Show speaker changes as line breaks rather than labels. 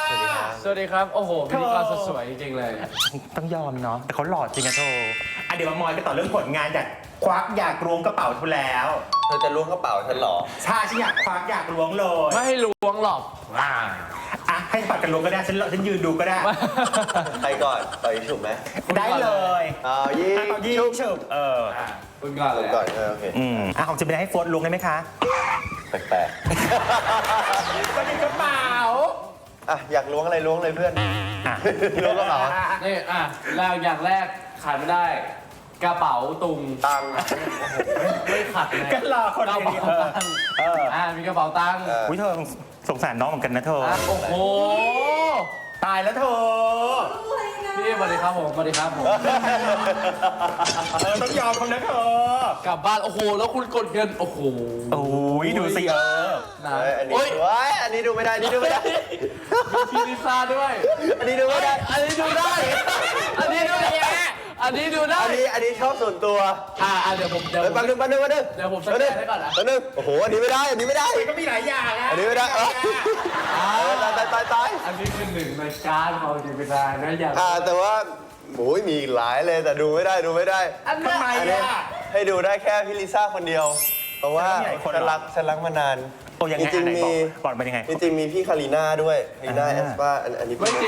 สวัสดีครับ โอ้โหพิธีกรสดสวยจริงๆเลย
ต้องยอมเนาะแต่เขาหล่อจริงอะโธ่เดี๋ยวมามอยกันต่อเรื่องผลงานควักอยากล้วงกระเป๋าทุแล้ว
เธอจะล้วงกระเป๋าฉันเหรอ
ใช่ฉันอยากควักอยากล้วงเลย
ไม่ให้ล้วงหรอก
ให้ปัดกันล้วงก็ได้ฉันยืนดูก็ได้
ใครก่อนต่อยฉุบไหม
ได้เลย
ยิง
ยิงฉุบ
คุณก่อนเลย
ก่อนโอเค
ของจะเป็นให้โฟนล้วงได้ไหมคะ
แปลก
ก็เป็นกระเป๋า
ๆอยากล้วงอะไรล้วงเลยเพื่อนล้วงกระเป๋า
นี่แล้วอย่างแรกขาดไม่ได้ กระเป๋าตุง
ตังค์
ไม่ขัดเลย
ก็รอคน
กระ
ดี
เป๋าตังค์มีกระเป๋าตังค์
อุ้ยเธอสงสารน้องเหมือนกันนะเธอ
โอ้โห
ตายแล้วเธอ
พี่สวัสดีครับผมสวัสดีครับผม
ต้องยอมคนนะเธอก
ลับบ้านโอ้โหแล้วคุณกดเงินโอ้โห
โอ้ยดูสิ
นะ
อันนี้
โอ้ย
อันนี้ดูไม่ได้อันนี้ดูไม่ได้
มีพิซซ่าด้วย
อันนี้ดูไม่ได้
อันนี้ดูได้ อันนี้ดูได้อันนี้ดูได้
อันนี้ชอบส่วนตัว
เดี๋ยวผม
แป๊บนึง
เดี๋ยวผมสแกนให้ก่อนนะ
แป๊บนึงโอ้โหอันนี้ไม่ได้อันนี้ไม่ได้
ก็มีหลายอย่างนะ
อันนี้ไม่ได้ตาย
อันนี้คือหนึ่งในการของจิตวิญญาณนะอย่าง
แต่ว่าโอ้ยมีอีกหลายเลยแต่ดูไม่ได้ดูไม่ได้
อัน
ทำไม
อันนี้
อ่ะ
ให้ดูได้แค่พี่ลิซ่าคนเดียว เพราะว่า
แต่ก็มีหลายคนเหรอ
ฉันรักมานาน
โอ้ยังไง
จริงๆมี
บอกเป็นยังไง
จริงๆมีพี่คารีน่าด้วยคารีน่าแอสปาอันนี้
ไม่จริง